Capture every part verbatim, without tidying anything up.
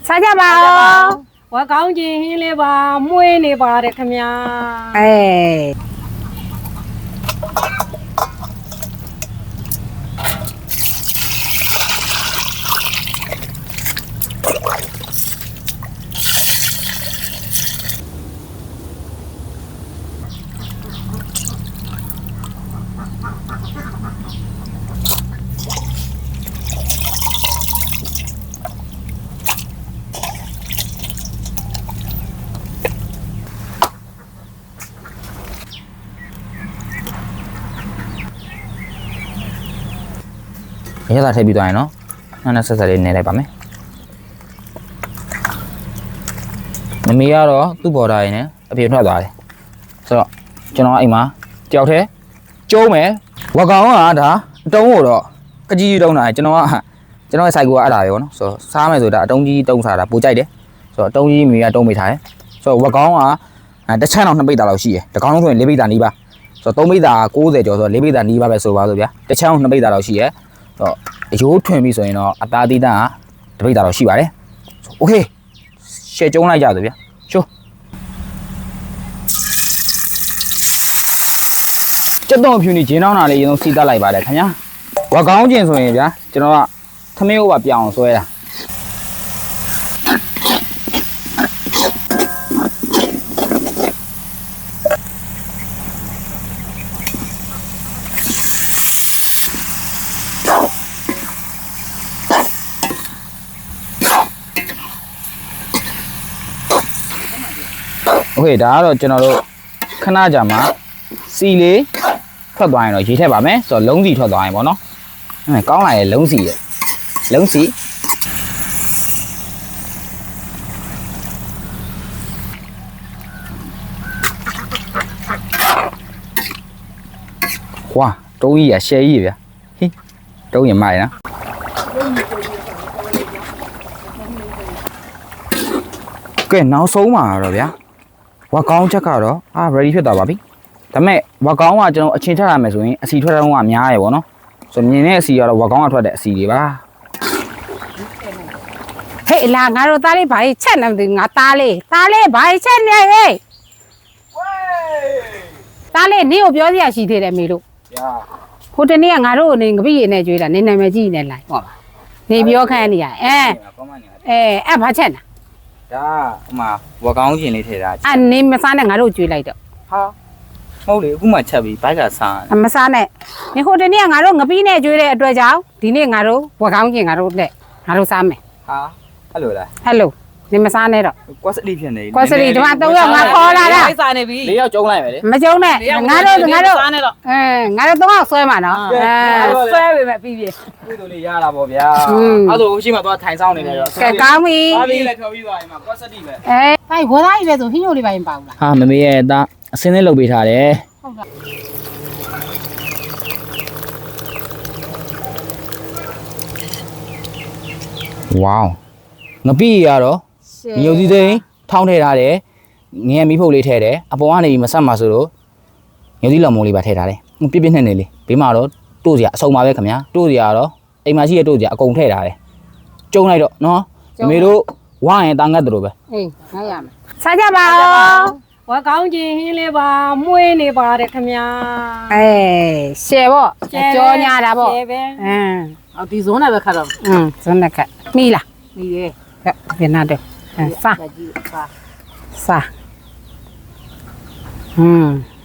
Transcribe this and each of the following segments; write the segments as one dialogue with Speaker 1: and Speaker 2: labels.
Speaker 1: စားကြပါဦး
Speaker 2: ဝါကောင်းချင်းဟင်းလေးပါမွေးနေပါတယ်ခင်ဗျာ
Speaker 1: အေး
Speaker 3: ရတာထည့်ပြီးသွားရင်နော်နောက်နောက်ဆက်ဆက်လေးနေလိုက်ပါမယ်မမေကတော့သူ့ဘော်ဒါရင်းနဲ့အပြင်ထွက်သွားတယ်ဆိုတော့ကျွန်တော်အိမ်မှာတယောက်တည်းကျုံးမယ်ဝကောင်ကဒါအတုံးကိုတော့ကကြီးကြီးတုံးတာကျွန်တော်ကကျွန်တော်ရဲ့ site ကအဲ့ဒါပဲပေါ့နော်ဆိုတော့စားမယ်ဆိုတာအတုံးကြီးတုံးစားတာပိုကြိုက်တယ်ဆိုတော့အတုံးကြီးမေကတုံးမိထားတယ်ဆိုတော့ဝကောင်ကတစ်ချမ်းတော့နှစ်ပိတ်တာလောက်ရှိတယ်တကောင်လုံးဆိုရင်လေးပိတ်တာနီးပါဆိုတော့သုံးပိတ်တာကိုးဆယ်ကျော်ဆိုတော့လေးပိတ်တာနီးပါပဲဆိုပါဆိုဗျာတစ်ချမ်းနှစ်ပိတ်တာလောက်ရှိရတော့အယိုးထွင်ပြီဆိုရင်တော့အသားသီးတန်းကတပိတ်တာတော့ရှိပါတယ်โอเคရှယ်ကျုံးလိုက်ကြဆိုဗျာချိုးကျက်တော့ဖြူနေဂျင်းတောင်းတာလေးအရင်ဆုံးစီးတက်လိုက်ပါတယ်ခင်ဗျာဝါကောင်းကျင်ဆိုရင်ဗျာကျွန်တော်ကသမင်းဥပါပြောင်းအောင်ဆွဲတာโอเคဒါကတော့ကျွန်တော်တို့ခဏကြာမှာစီလေးထွက်သွားရင်တော့ရေးထည့်ပါမယ်ဆိုတော့လုံးစီထွက်သွားရင်ပေါ့နော်အဲကောင်းလာရဲ့လုံးစီရဲ့လုံးစီဝါတုံးကြီးရရှယ်ကြီးဗျာဟိတုံးရင်မိုက်နော်ကဲနောက်ဆုံးမှာတော့ဗျာဝါကောင်းချက်ကတော့အာ ready ဖြစ်သွားပါပြီဒါပေမဲ့ဝါကောင်းကကျွန်တော်အချင်းထရမယ်ဆိုရင်အစီထွက်တော့ကများရယ်ပေါ့နော်ဆိုမြင်တဲ့အစီကတော့ဝါကောင်းကထွက်တဲ့အစီတွေပါ
Speaker 1: ဟေးလာငါတို့သားလေးဘာကြီးချက်နေမသိငါသားလေးသားလေးဘာကြီးချက်နေဟေးဝေးသားလေးနင့်ကိုပြောစရာရှိသေးတယ်မေလို့
Speaker 3: ဗျာ
Speaker 1: ဟိုတနေ့ကငါတို့နေငပိရနဲ့ကြွေးတာနေနာမည်ကြီးနေလိုက်ဟုတ်ပါနေပြောခန်းနေရအဲအဲအဲ့ဘာချက်နာ
Speaker 3: ဒါဟိုမှာဝါကောင်းကျင်လေးထည့်တာ
Speaker 1: အဲ့နေမစားနဲ့ငါတို့ကြွေးလိုက်တော့
Speaker 3: ဟာဟုတ်လေအခုမှချက်ပြီးဘိုက်ကစား
Speaker 1: မစားနဲ့နေဟိုတနေ့ကငါတို့ငပိနဲ့ကြွေးတဲ့အတွက်ကြောင့်ဒီနေ့ငါတို့ဝါကောင်းကျင်ငါတို့နဲ့ငါတို့စားမယ်
Speaker 3: ဟာအဲ့လိုလား
Speaker 1: အဲ့လိုနေမစားနဲ့တော့
Speaker 3: ကွက်စလီဖြစ်နေ
Speaker 1: ကွက်စလီဒီမှာသုံးယောက်ငါခေါ်လာတာ
Speaker 2: စားနေပြီ
Speaker 3: လေးယောက်ကျုံးလိုက်မယ်လေ
Speaker 1: မကျုံးနဲ့ငါတို့ငါတို့စားနဲ့တော့အဲငါတို့သုံးယောက်ဆွဲမှာနော်
Speaker 2: အဲဆွဲပေမဲ့ပြီးပြီ
Speaker 3: ကုသိုလ်လေးရတာပေါ့ဗျာအဲ့ဒါရှိမှသွားထိုင်ဆောင်နေတယ်ရော
Speaker 1: ကဲကောင်းပြီ
Speaker 3: ပါပြီလေဖြော်ပြီးသွားရင်မှာကွက်စလီပဲ
Speaker 1: အဲဟိုင်ဝသားကြီးပဲဆိုဟင်းညိုလေးပါရင်ပါဘူးလား
Speaker 3: ဟာမမေရဲ့သားအစင်းလေးလုပ်ပေးထားတယ်ဟုတ်ကဲ့ဝေါငပိရတော့ညိုစည်းသိန်းထောင်းထည့်ထားတယ်ငရဲမီးဖုတ်လေးထည့်တယ်အပေါ်ကနေမဆက်မှာဆိုတော့ညိုစည်းလောင်မိုးလေးပါထည့်ထားတယ်ပြပြနဲ့နေလေးဘေးမှာတော့တို့စရာအစုံပါပဲခင်ဗျာတို့စရာတော့အိမ်မှာရှိတဲ့တို့စရာအကုန်ထည့်ထားတယ်ကျုံလိုက်တော့နော်အမေတို့ဝါရင်တာငတ်တယ်လို့ပဲ
Speaker 1: အေးငါရမယ်စားကြပါဦး
Speaker 2: ဝါကောင်းချင်းဟင်းလေးပါမွေးနေပါတယ်ခင်ဗျာ
Speaker 1: အေးရှယ်ပေါ့ကြောညာတာပေါ့
Speaker 2: ရှယ်ပဲ
Speaker 1: အင်း
Speaker 2: အော်ဒီဇုံးနဲ့ပဲခတ်တော့
Speaker 1: อืมဇုံးနဲ့ခတ်မိလား
Speaker 2: မိရဲ့
Speaker 1: ကဲဘယ်နာတော့စားစားอืม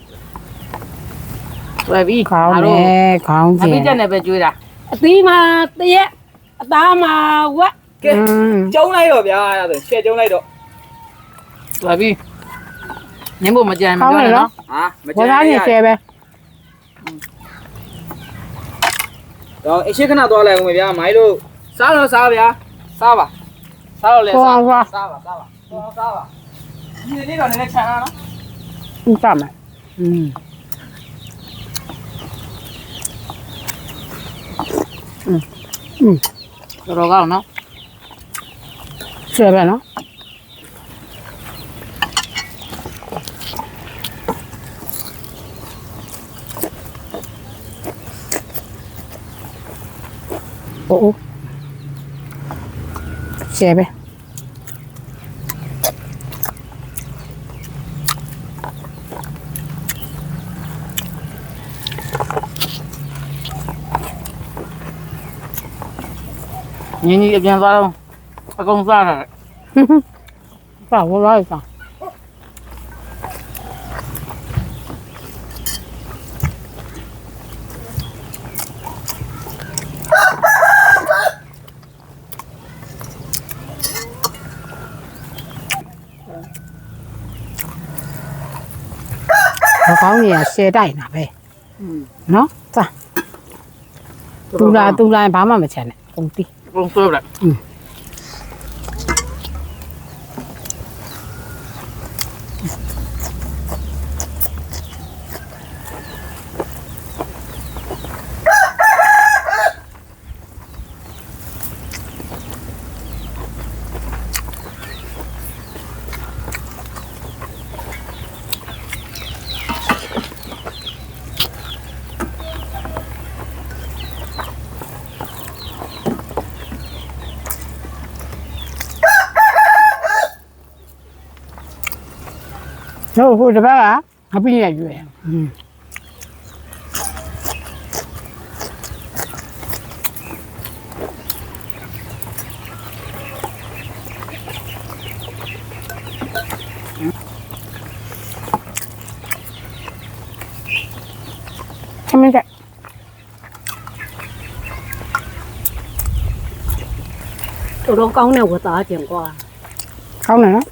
Speaker 2: ဝယ်ပြီး
Speaker 1: ခေါင်းနဲ့ခေါင်းကျင်
Speaker 2: အပိတက်နဲ့ပဲကျွေးတာအသီးမှာတရက်အသားမှာဝက်ကဲ
Speaker 3: ကျုံးလိုက်တော့ဗျာအဲ့ဒါဆိုရှယ်ကျုံးလိုက်တော့
Speaker 2: ဝယ်ပြီးညင်ဖို့မကြမ်းမပြောနဲ့နော်
Speaker 3: ဟာမ
Speaker 1: ကြမ်းဘာသာနဲ့ရှယ်ပဲ
Speaker 3: တော့အရှိခဏသွားလိုက်ဦးမယ်ဗျာမိုင်းတို့စားတော့စားဗျာစားပါစားတော့လေစားစားပါစားပါတော့စားပါဒီနေ့တော့နည်းနည်းချမ်းလာနော်
Speaker 1: อืมစားမယ်อืมอืมอืม
Speaker 2: တော့ကောင်းနော်
Speaker 1: ရှယ်ပဲနော်โอ้ရှယ်ပဲ
Speaker 2: ညီညီအပြန်သွားတော့အကုန်စားတာ
Speaker 1: ပါဝလာစား မကောင်းနေရရှယ်တိုက်တာပဲနော်စားတူလာတူလာဘာမှမချမ်းနဲ့ကုန်တီး
Speaker 2: အကုန်ဆွဲလိုက်
Speaker 1: ဟုတ်ဟုတ်တပတ်ကငါပြည့်ရရွယ်อืมခမင်းက
Speaker 2: တော်တော်ကောင်းတဲ့ဝတ်သားကျင်ကွာ
Speaker 1: ကောင်းတယ်နော်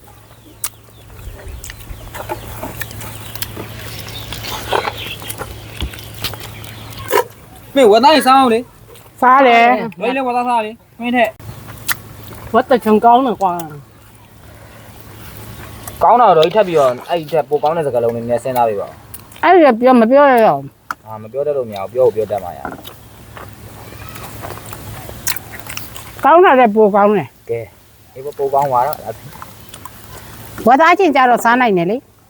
Speaker 3: မင်းဝတ်သားစားအောင်လေ
Speaker 1: စားတယ်
Speaker 3: မင်းလည်းဝတ်သားစားလေမင်းတဲ့
Speaker 2: ဝတ်တချုံကောင်းတယ်ကွာ
Speaker 3: ကောင်းတာတော့ထပ်ပြီးတော့အဲ့ဒီထက်ပိုကောင်းတဲ့စကားလုံးတွေနည်းစဉ်းစားပေးပါ
Speaker 1: အဲ့ဒါပြောမပြောရတော့
Speaker 3: အာမပြောတတ်လို့မရဘူးပြောဖို့ပြောတတ်မှာရ
Speaker 1: ကောင်းတာလည်းပိုကောင်းတယ်
Speaker 3: ကဲဒီပိုကောင်းသွားတော့
Speaker 1: ဝတ်သားချင်းကြတော့စားနိုင်တယ်လေ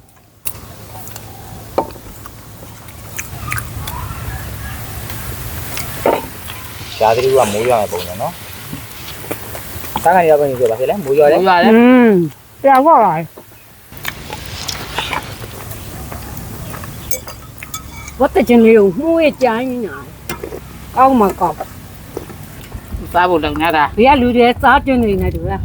Speaker 3: ရှားသီးကမိုးရွာမယ်ပုံစံနော်စားကနေရောက်နေကြပါဖြစ်လဲမိုးရွာလေ
Speaker 2: ဟုတ်ရတယ်
Speaker 1: อืมပြောက်တော့လာ
Speaker 2: ဝတ်တချင်လေးကိုမှုရဲ့ကြိုင်းညာကောင်းမှာကောင်းစားဖို့လုံနေတာဘေးကလူတွေစားကျင်နေနေတူလား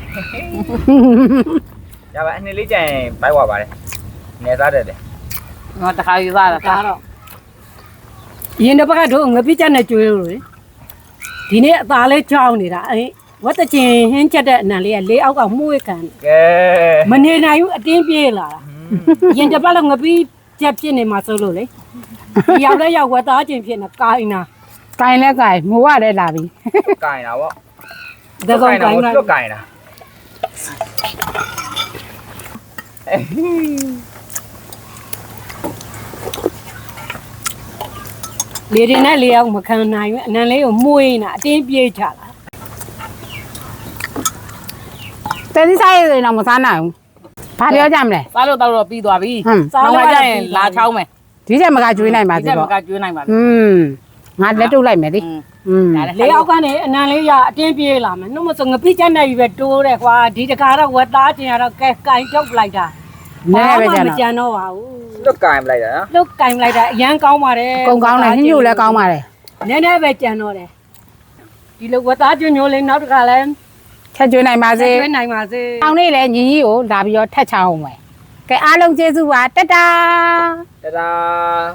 Speaker 3: ရပါအနေလေးကြရင်ဘိုက်ဝါပါတယ်နေသားတယ်လေ
Speaker 2: ငါတခါယူစားတာဒါတော့ရင်တစ်ပတ်ကတော့ငပိချက်နဲ့ကျွေးလို့လေဒီနေ့အသားလေးကြောင်းနေတာအဲဝတ်တချင်ဟင်းချက်တဲ့အနံလေးကလေးအောက်ကမှုရဲ့ခံ
Speaker 3: ကဲ
Speaker 2: မနေနိုင်ဘူးအတင်းပြေးလာတာရင်တစ်ပတ်လောက်ငပိချက်ဖြစ်နေမှာစိုးလို့လေရောက်လဲရောက်ဝတ်သားချင်းဖြစ်နေကိုင်းနာ
Speaker 1: ကိုင်လဲကိုင်မိုးရလဲလာပြီ
Speaker 3: ကင်တာဗော
Speaker 2: တကောင်ကိုင်း
Speaker 3: တာ
Speaker 2: လာ
Speaker 3: တွက်ကင်တာ
Speaker 2: လေရင်နဲ့လေအောင်မခံနိုင်ဘူးအနံလေးကိုမှုရင်တာအတင်းပြေးချလာ
Speaker 1: တဲဒီစားရရင်တော့မစားနိုင်ဘူးဘာပြောကြမလဲ
Speaker 2: စားလို့တော့ပြီးသွားပြီ
Speaker 1: ဟမ်
Speaker 2: စားလို့ကြရင်လာချောင်းမယ်
Speaker 1: ဒီချက်မကကျွေးနိုင်ပါ
Speaker 2: ဒီ
Speaker 1: သေး
Speaker 2: ကမ
Speaker 1: တော့
Speaker 2: ကကျွေးနိုင်ပါဘူး
Speaker 1: อืมငါလက်တုပ်လိုက်မယ်လေอืม
Speaker 2: လေအောက်ကနေအနံလေးရအတင်းပြေးလာမယ်နှုတ်မစုံငပိချက်နဲ့ပဲတိုးတယ်ကွာဒီတကာတော့ဝက်သားကျင်ရတော့ကဲကင်ထုတ်လိုက်တာ
Speaker 1: နည်းနည်းပဲကြ
Speaker 2: မ
Speaker 1: တော့
Speaker 2: ကြံတော့ပါဘူး
Speaker 3: တွက်ကင်ပလိုက်တာနော်
Speaker 2: လုတ်ကင်လိုက်တာအရန်ကောင်းပါတယ်
Speaker 1: ကုံကောင်းတယ်ညှို့လည်းကောင်းပါတယ်
Speaker 2: နည်းနည်းပဲကြံတော့တယ်ဒီလိုဝက်သားကျွညိုလေးနောက်တစ်ခါလဲ
Speaker 1: ချက်ကျွေးနိုင်ပါစေ
Speaker 2: ကျွေးနိုင်ပါစေ
Speaker 1: အောင်လေးလည်းညီကြီးကိုလာပြီးတော့ထက်ချအောင်မယ်ကဲအားလုံးကျေးဇူးပါတတ
Speaker 3: တဒါ